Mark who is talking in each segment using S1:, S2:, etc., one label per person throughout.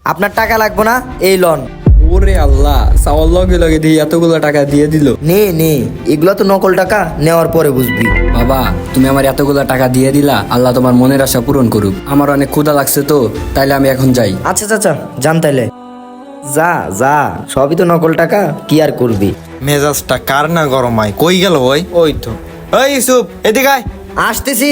S1: আপনার টাকা লাগবে না, এই লন।
S2: ওরে আল্লাহ, চাওয়ার লগে লগে দিয়ে এতগুলো টাকা দিয়ে দিল।
S1: নে নে, এগুলো তো নকল টাকা, নেওয়ার পরে বুঝবি।
S2: বাবা, তুমি আমার এতগুলো টাকা দিয়ে দিলা, আল্লাহ তোমার মনের আশা পূরণ করুক। আমার অনেক ক্ষুধা লাগছে তো, তাইলে আমি এখন যাই।
S1: আচ্ছা চাচা, যান তাইলে। যা যা, সবই তো নকল টাকা, কি আর করবি।
S3: মেজাজটা কার না গরম হয়, কই গেল ওই? ওই তো, ওই ইউসুফ এদিকে আয়।
S1: আসতেছি।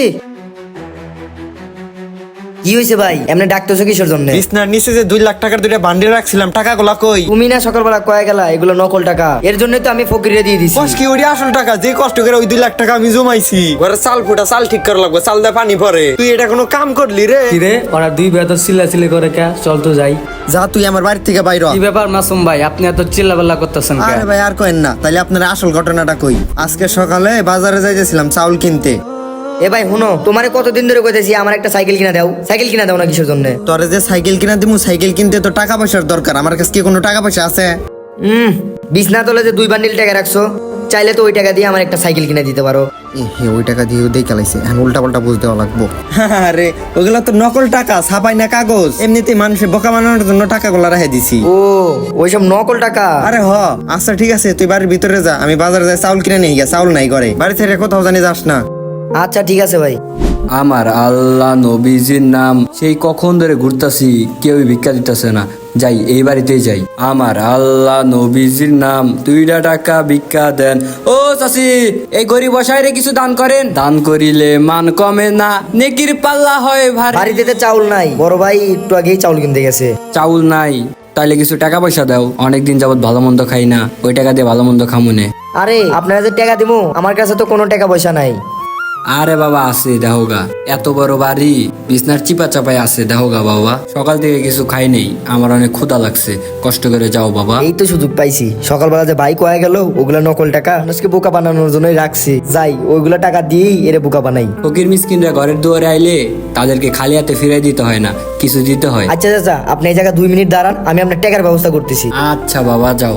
S1: কি হয়েছে ভাই, এমনি ডাকতেছো কিসের জন্য?
S3: বিছনার নিচে যে 2 লাখ টাকার দুইটা বান্ডিল রাখছিলাম, টাকাগুলা কই?
S1: তুমি না সকালবেলা কয়ে গেলা এগুলো নকল টাকা, এর জন্যই তো আমি ফকিরে দিয়ে দিছি।
S3: কস কি ওই আসল টাকা? যে কষ্ট করে ওই 2 লাখ টাকা আমি জমাইছি, ঘরে চাল ফুটা চাল ঠিক করা লাগবে, চাল দিয়ে পানি পরে। তুই এটা কোনো কাম করলি রে?
S4: কিরে ওরা দুই ভাই তো চিল্লাচিল্লি করে কে? চল তো যাই।
S3: যা তুই আমার বাড়ি থেকে বাইর হ।
S4: কি ব্যাপার মাসুম ভাই, আপনি এত চিল্লাপাল্লা করতেছেন কে?
S3: আরে ভাই আর কইেন না, তাইলে আপনার আসল ঘটনাটা কই। আজকে সকালে বাজারে যাইতেছিলাম চাউল কিনতে।
S1: এ ভাই শুনো, তোমারে কতদিন ধরে কইতেছি আমার একটা সাইকেল কিনা দাও, সাইকেল কিনা দাও না কিসের জন্য?
S3: তোরে যে সাইকেল কিনা দিমু, সাইকেল কিনতে তো টাকা পয়সার দরকার। আমার কাছে কি কোনো টাকা পয়সা আছে?
S1: বিছনা তলে যে 2 বান্ডিল টাকা রাখছো, চাইলে তো ওই টাকা দিয়ে আমার একটা সাইকেল কিনে দিতে পারো।
S3: ওই টাকা দিয়ে ওই চালাইছে, এখন উল্টা পাল্টা বুঝতে লাগবো। আরে ওগুলা তো নকল টাকা, ছাপাই না কাগজ। এমনিতেই মানুষের বোকা বানানোর জন্য টাকাগুলা রেখে দিছি।
S1: ও, ওইসব নকল টাকা?
S3: আরে আচ্ছা ঠিক আছে, তুই বাড়ির ভিতরে যা, আমি বাজারে যাই চাউল কিনে নিয়ে গিয়া। চাউল নাই ঘরে, বাড়ি থেকে কোথাও জানি যাস না।
S1: আচ্ছা ঠিক আছে ভাই।
S2: আমার আল্লাহ নবীজির নাম, সেই কখন ধরে ঘুরতাছি, কেউই ভিক্ষা দিতেছে না। যাই, এই বাড়িতেই যাই। আমার আল্লাহ নবীজির নাম, 2 টাকা ভিক্ষা দেন। ও চাচি, এই গরিব বসাইরে কিছু দান করেন। দান করিলে মান কমে না, নেকির পাল্লা হয় ভারী।
S1: বাড়িতে তো চাউল নাই, বড় ভাই একটু আগেই চাউল কিনতে গেছে।
S2: চাউল নাই, তাইলে কিছু টাকা পয়সা দাও। অনেকদিন যাবত ভালো মন্দ খাই না, ওই টাকা দিয়ে ভালো মন্দ খামুনে।
S1: আরে আপনারা যে টাকা দিমু, আমার কাছে তো কোনো টাকা পয়সা নাই।
S2: আরে বাবা আছে, দেহগা এত বড় বাড়ি, বিছনার চিপা চাপাই আছে, দেহগা বাবা। সকাল থেকে কিছু খাই নেই, আমার অনেক ক্ষুধা লাগছে। কষ্ট করে যাও বাবা।
S1: এই তো সুযোগ পাইছি, সকালবেলা যে বাইক হয়ে গেল, ওগুলা নকল টাকা, মানুষকে বোকা বানানোর জন্যই রাখছি। যাই, ওইগুলা টাকা দিয়েই এরে বোকা বানাই।
S2: ফকির মিসকিনরা ঘরের দুয়ারে আইলে তাদেরকে খালি হাতে ফিরাই দিতে হয় না, কিছু দিতে হয়।
S1: আচ্ছা চাচা, আপনি এই জায়গায় 2 মিনিট দাঁড়ান, আমি আপনার টাকার ব্যবস্থা করতেছি।
S2: আচ্ছা বাবা, যাও।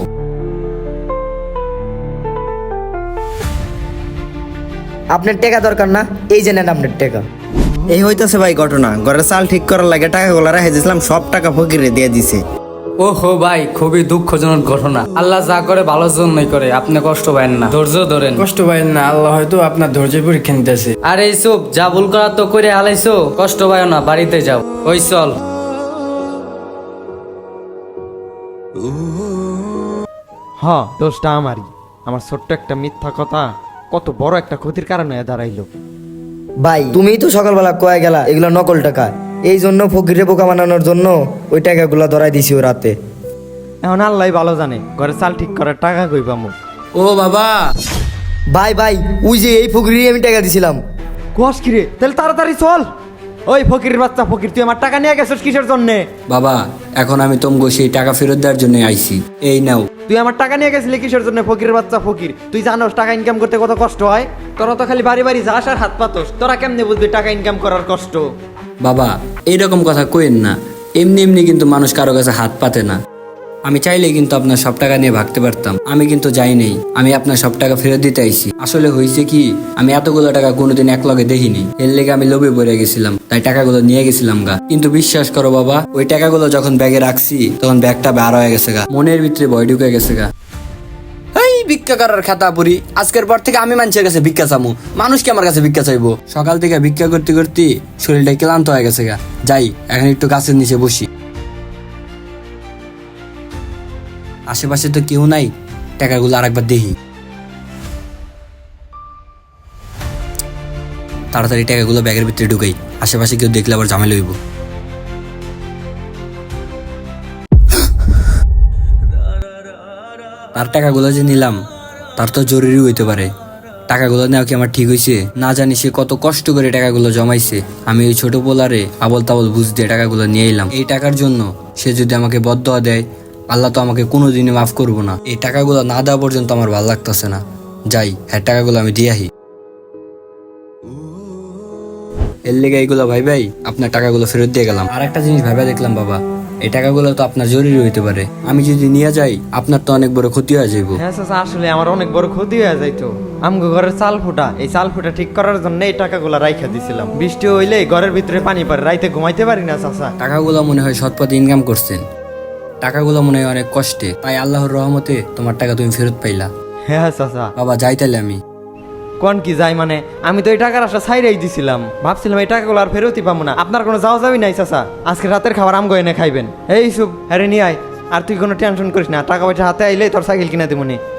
S1: আপনার টাকা দরকার না, এই যে নেন আপনার টাকা।
S3: এই হইতাছে ভাই ঘটনা, ঘরে চাল ঠিক করার লাগে টাকাগুলা রেখে দিয়েছিলাম, সব টাকা ফকিরে দিয়ে দিছে।
S4: ওহো ভাই, খুবই দুঃখজনক ঘটনা। আল্লাহ যা করে ভালোর জন্যই করে, আপনি কষ্ট পাবেন না, ধৈর্য ধরেন।
S5: কষ্ট পাইন না, আল্লাহ হয়তো আপনার ধৈর্যের পরীক্ষা নিতেছে।
S4: আরে ইসুফ, যা ভুল করার তো করে হালাইছো, কষ্ট পায় না, বাড়িতে যাও। ওই চল।
S5: দোষটা আমারই। আমার ছোট্ট একটা মিথ্যা কথা কত বড় একটা ক্ষতির কারণ হয়ে দাঁড়াইলো।
S1: ভাই তুমিই তো সকালবেলা কয়ে গেলা এগুলো নকল টাকা, এই জন্য ফকিরে বোকা বানানোর জন্য ওই টাকাগুলা ধরাই দিছি ও রাতে।
S5: এখন আল্লাহ ভালো জানে ঘরে চাল ঠিক করার টাকা কই পামু।
S2: ও বাবা,
S1: ভাই ভাই, ওই যে এই ফকিরই আমি টাকা দিছিলাম।
S5: কোয়াস কিরে, তাহলে তাড়াতাড়ি চল। ওই ফকিরের বাচ্চা ফকির, তুই আমার টাকা নিয়ে গেছিস কিসের জন্য?
S2: বাবা এখন আমি তোমাকে সেই টাকা ফেরত দেওয়ার জন্য আইছি, এই নাও।
S5: তুই আমার টাকা নিয়ে গেছিলি কিসের জন্য? ফকিরের বাচ্চা ফকির, তুই জানোস টাকা ইনকাম করতে কত কষ্ট হয়? তোরা তো খালি বাড়ি বাড়ি যাস আর হাত পাতোস, তোরা কেমনে বুঝবি টাকা ইনকাম করার কষ্ট?
S2: বাবা এইরকম কথা কইেন না, এমনি এমনি কিন্তু মানুষ কারো কাছে হাত পাতে না। আমি চাইলে কিন্তু আপনার সব টাকা নিয়ে ভাগতে পারতাম, আমি কিন্তু যাই নেই। আমি আপনার সব টাকা ফেরত দিতে আইছি। আসলে হয়েছে কি, আমি এতগুলো টাকা কোনোদিন এক লগে দেখিনি, এর লেগে আমি লোভে পড়ে গেছিলাম, তাই টাকাগুলো নিয়ে গেছিলাম গা। কিন্তু বিশ্বাস করো বাবা, ওই টাকাগুলো যখন ব্যাগে রাখছি তখন ব্যাগটা বার হয়ে গেছে গা, মনের ভিতরে ভয় ঢুকে গেছে গা। এই ভিক্ষা করার খাতা পুরি, আজকের পর থেকে আমি মানুষের কাছে ভিক্ষা চামু, মানুষ কি আমার কাছে ভিক্ষা চাইবো? সকাল থেকে ভিক্ষা করতে করতে শরীরটা ক্লান্ত হয়ে গেছে গা। যাই, এখন একটু গাছের নিচে বসি। আশেপাশে তো কেউ নাই, টাকাগুলো আরেকবার দেখি। তাড়াতাড়ি টাকাগুলো ব্যাগের ভিতরে ঢুকাই, আশেপাশে কেউ দেখলে আবার ঝামেলা হইব। তার টাকাগুলো যে নিলাম, তার তো জরুরি হইতে পারে। টাকাগুলো নেওয়া কি আমার ঠিক হয়েছে? না জানি সে কত কষ্ট করে টাকাগুলো জমাইছে, আমি ওই ছোট পোলারে আবল তাবল বুঝ দিয়ে টাকাগুলো নিয়ে এলাম। এই টাকার জন্য সে যদি আমাকে বদদোয়া দেয়, আল্লাহ তো আমাকে কোনোদিনই মাফ করবো না। এই টাকাগুলো না দেওয়া পর্যন্ত আমার ভালো লাগতেছে না। যাই, হ্যাঁ টাকাগুলো আমি দিয়ে আহি। এর লেগে এইগুলো ভাই আপনার টাকাগুলো ফেরত দিয়ে গেলাম। আর একটা জিনিস ভাইবা দেখলাম বাবা, এই টাকাগুলো তো আপনার জরুরি হইতে পারে, আমি যদি নিয়ে যাই আপনার তো অনেক বড় ক্ষতি হয়ে যাইব।
S5: হ্যাঁ চাচা, আসলে আমার অনেক বড় ক্ষতি হয়ে যাইতো। আমগো ঘরের চাল ফুটা, এই চাল ফুটা ঠিক করার জন্য এই টাকাগুলা রাইখা দিছিলাম। বৃষ্টি হইলে ঘরের ভিতরে পানি পড়ে, রাইতে ঘুমাইতে পারি না চাচা।
S2: টাকাগুলো মনে হয় সৎ পথে ইনকাম করছেন, টাকাগুলো মনে হয় অনেক কষ্টে, তাই আল্লাহর রহমতে তোমার টাকা তুমি ফেরত পাইলা।
S5: হ্যাঁ চাচা।
S2: বাবা যাই তাহলে আমি।
S5: কোন কি যাই মানে, আমি তো এই টাকার আশা ছাইরাই দিছিলাম, ভাবছিলাম এই টাকাগুলো আর ফেরতই পাবো না। আপনার কোনো যাওয়া যাবি নাই চাচা, আজকে রাতের খাবার আমগো এনে খাইবেন। এই সুপ হ্যারে নিয়ে আয়, আর তুই কোনো টেনশন করিস না, টাকা পয়সা হাতে আইলে তোর সাইকেল কিনা দেবো নি।